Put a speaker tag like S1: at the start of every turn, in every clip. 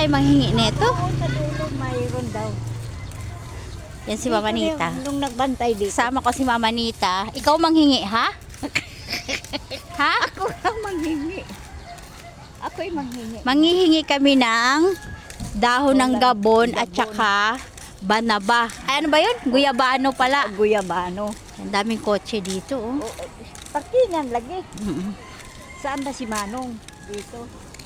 S1: tayo manghingi nito.
S2: Oo, sa dulo mayroon daw.
S1: Yan si Mama Nita.
S2: Nung nagbantay dito.
S1: Sama ko si Mama Nita. Ikaw manghingi, ha? Ha?
S2: Ako lang manghingi. Ako'y manghingi.
S1: Manghihingi kami ng dahon ng gabon at saka banaba. Ay, ano ba yun? Guyabano pala.
S2: Guyabano.
S1: Ang daming kotse dito, oh.
S2: Parkingan lagi.
S1: Mm-mm.
S2: Saan ba si Manong? Dito.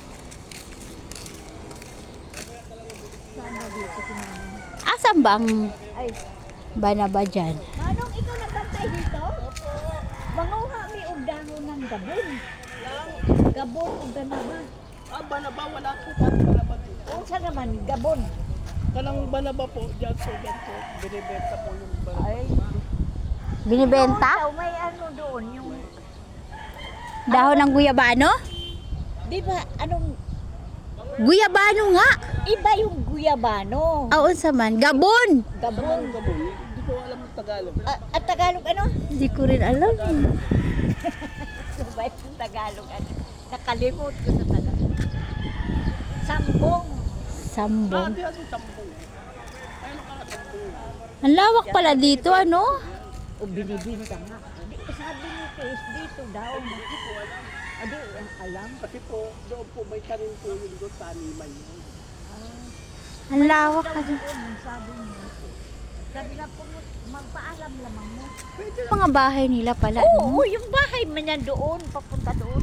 S2: Saan ba dito si Manong?
S1: Asan bang
S2: Ay,
S1: banaba dyan?
S2: Manong, ikaw nagbantay dito? Manguha mi og dahon ng gabon. Gabon og banaba.
S3: Ah, banaba, wala po pa banaba dito.
S2: Unsa naman gabon?
S3: Kanang banaba po, dyan po, binibenta po yung banaba.
S2: Ay,
S1: Binibenta?
S2: doon daw, may ano doon yung
S1: Dahon ng guyabano?
S2: di ba anong
S1: Guyabano nga!
S2: iba yung guyabano.
S1: Aon sa man. Gabon!
S2: Gabon.
S3: Gabon, hindi ko alam ang Tagalog.
S2: At Tagalog ano?
S1: Hindi ko rin alam.
S2: Ano ba yung Tagalog ano? Nakalimot ko sa Tagalog. Sambong.
S1: Sambong.
S3: Di kasi tambong. Ayun ka tambong.
S1: Ang lawak pala dito, ano?
S2: O binibinta nga. Di, sabi ni Chris, dito daw.
S3: Hindi ko alam.
S2: Adi, alam.
S3: Kasi po, doon po may tanim po yung doon, taniman yun.
S1: Ang lawak ka.
S2: Sabi niya. Sabi na po, magpaalam lamang mo.
S1: Mga bahay nila pala.
S2: Oo,
S1: no?
S2: yung bahay man yan doon, papunta doon.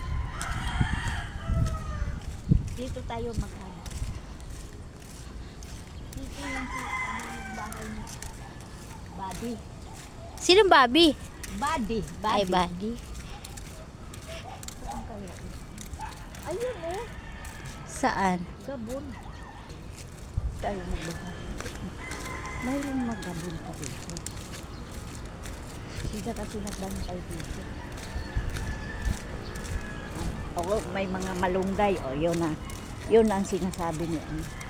S2: Dito tayo maghanap. Dito lang si yung bahay ni Buddy.
S1: Sinong Bobby?
S2: Buddy.
S1: Ay, Buddy.
S2: Saan kaya? Ayun oh,
S1: Saan?
S2: Gabon. Tayo magbahay. Mayroong magabon pa dito. Sila kasi nagbantay dito. Oo, may mga malunggay. O, yun na. Yun ang sinasabi niya.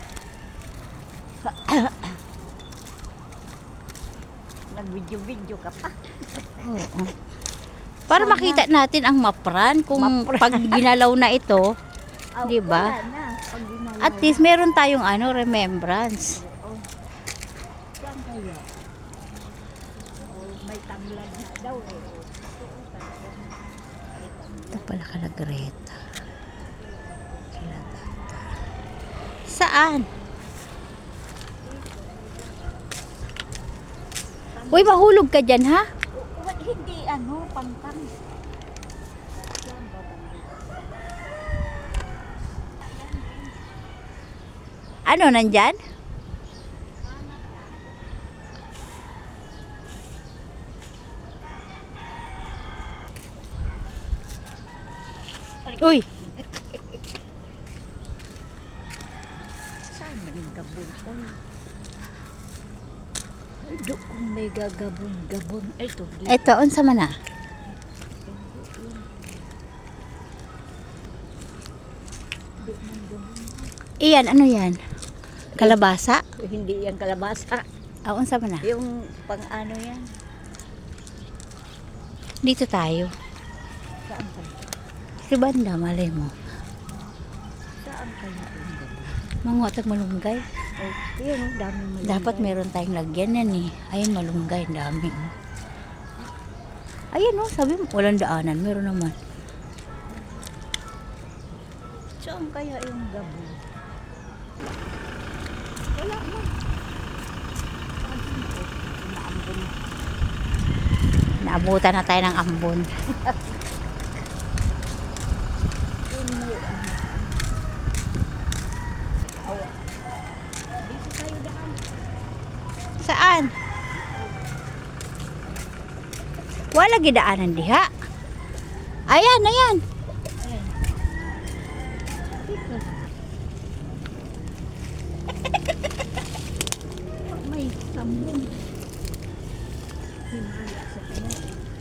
S2: Nag-video-video ka pa.
S1: Oo. Para makita natin ang mapran kung
S2: Mapran.
S1: pag ginalaw na ito,
S2: Oh,
S1: Di ba?
S2: wala na. Pag ginalaw.
S1: at least meron tayong ano, remembrance.
S2: Oo. Saan kaya? Oh, may tamlag na daw eh.
S1: Ito pala kala Greta. Kila Tata. Saan? Uy, mahulog ka dyan, ha?
S2: Hindi ano, pantang.
S1: Ano, nandyan? Uy,
S2: Saan man yung gabon? Ay, doon may gagabon-gabon. Ito, dito.
S1: eto, unsa man na? Iyan, ano yan? Kalabasa?
S2: Hindi yan kalabasa.
S1: Ah, unsa man na?
S2: Yung pang ano yan.
S1: Dito tayo.
S2: Saan kaya?
S1: Si banda, malay mo.
S2: Saan kaya yung gabon?
S1: Manguatag malunggay.
S2: Oh, yun, ang daming malunggay.
S1: Dapat meron tayong lagyan yan eh. Ayun, malunggay, ang dami. Oh. Ayan oh, sabi mo, walang daanan. Meron naman.
S2: Saan kaya yung gabon? Wala mo. Inaambon.
S1: Naabutan na tayo ng ambon.
S2: Yun mo ano. Awa. Dito tayo daan.
S1: Saan? Wala gidaanan diha. Ayan, ayan.
S2: Ayan. Dito. May sambong. Himala sa kanya.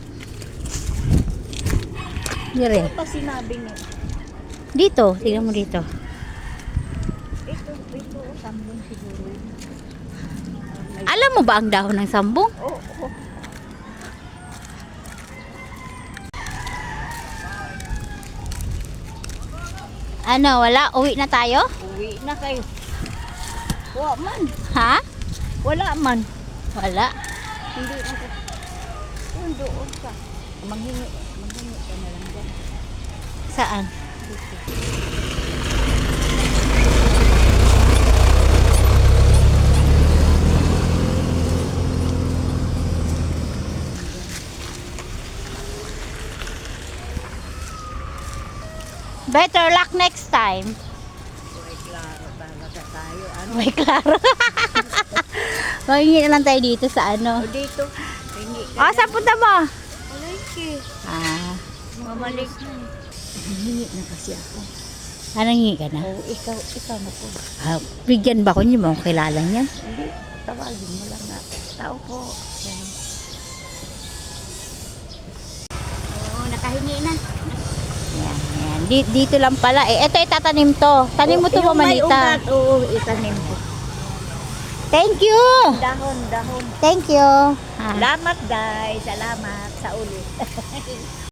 S1: Dire.
S2: Ano pa sinabi niya?
S1: Dito, tingnan mo dito.
S2: Ito, sambong siguro.
S1: Alam mo ba ang dahon ng sambong?
S2: Oo, oo.
S1: Ano, wala? Uwi na tayo?
S2: Uwi na kayo. Wala man.
S1: Ha?
S2: Wala man.
S1: Wala.
S2: Hindi na ka. Yun doon ka. Manghingi ka na lang dyan.
S1: Saan? Better luck next time.
S2: Uy, klaro talaga tayo. Ano?
S1: May klaro. Maghingi na lang tayo dito sa ano.
S2: O dito. Hingi ka.
S1: Ah, saan punta mo?
S2: Malaki.
S1: Ah,
S2: Mamalik na. Hingi na kasi ako.
S1: anong hingi ka na?
S2: O, ikaw na po.
S1: Ah, bigyan ba ko niyo mo kilala niyan?
S2: Hindi, tawagin mo lang na. Tao po. Yan. Oo, nakahingi na.
S1: Yan, yan. Dito lang pala. Eh, ito itatanim to. Tanim mo to,
S2: Yung may
S1: Mamanita.
S2: ugat, oo, itanim ko.
S1: Thank you!
S2: Dahon.
S1: Thank you. Ah.
S2: Salamat, guys. Salamat sa ulit.